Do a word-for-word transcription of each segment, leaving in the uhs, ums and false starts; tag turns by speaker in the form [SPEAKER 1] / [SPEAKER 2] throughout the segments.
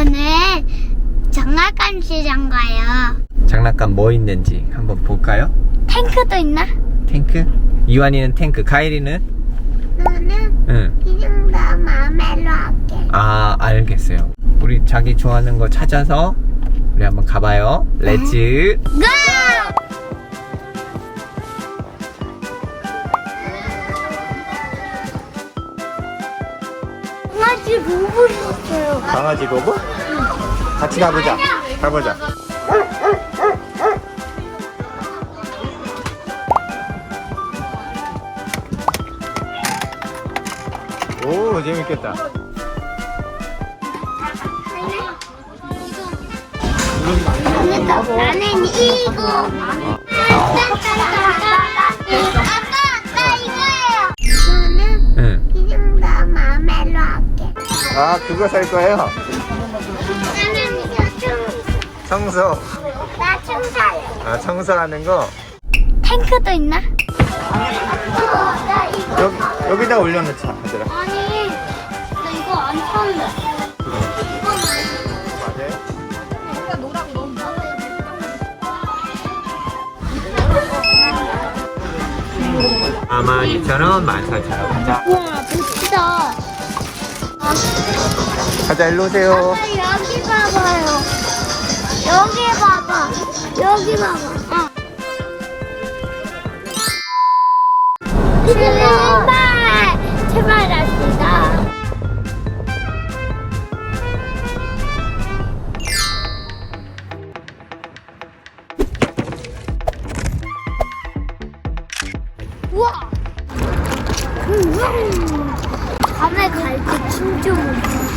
[SPEAKER 1] 저는 장난감 시장 가요.
[SPEAKER 2] 장난감 뭐 있는지 한번 볼까요?
[SPEAKER 1] 탱크도 있나?
[SPEAKER 2] 탱크? 이완이는 탱크, 가일이는?
[SPEAKER 1] 나는
[SPEAKER 2] 응.
[SPEAKER 1] 그냥 나 마음대로 할게.
[SPEAKER 2] 아, 알겠어요. 우리 자기 좋아하는 거 찾아서 우리 한번 가봐요. 렛츠
[SPEAKER 1] 고! 강아지 로봇 있어요.
[SPEAKER 2] 강아지 로봇? 같이 가보자. 가보자. 오, 재밌겠다.
[SPEAKER 1] 나는 이거. 아빠, 나 이거예요. 저는
[SPEAKER 2] 응.
[SPEAKER 1] 그냥 나 마음대로 할게.
[SPEAKER 2] 아, 그거 살 거예요?
[SPEAKER 1] 나는 이거 좀,
[SPEAKER 2] 청소.
[SPEAKER 1] 나 청소해.
[SPEAKER 2] 아, 청소하는 거.
[SPEAKER 1] 탱크도 있나? 어, 나 이거.
[SPEAKER 2] 여기, 여기다 올려놓자, 얘들아.
[SPEAKER 1] 아니, 나 이거 안 탈래.
[SPEAKER 2] 맞아요? 아만 이천 원, 만 사천 원. 가자.
[SPEAKER 1] 우와, 멋지다.
[SPEAKER 2] 가자, 일로 오세요.
[SPEAKER 1] 아빠 여기 봐봐요. 여기 봐봐. 여기 봐봐. 어. 제발, 제발 합시다. 우와. 음, 밤에 갈 때 진짜 무서워.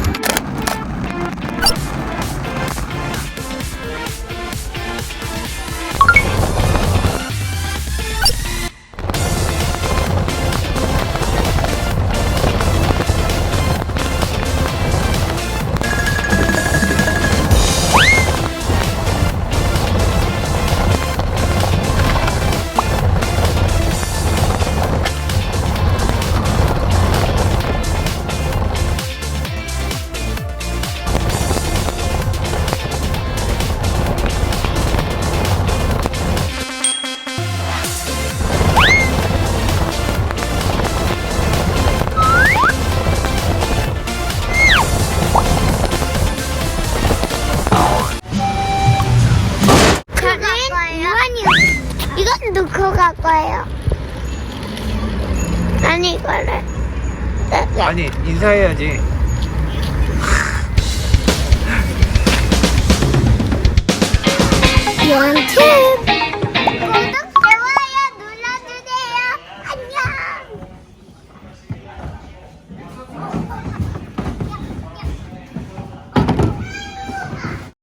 [SPEAKER 1] 이건 넣고 갈 거예요. 난 이거를.
[SPEAKER 2] 아니, 인사해야지.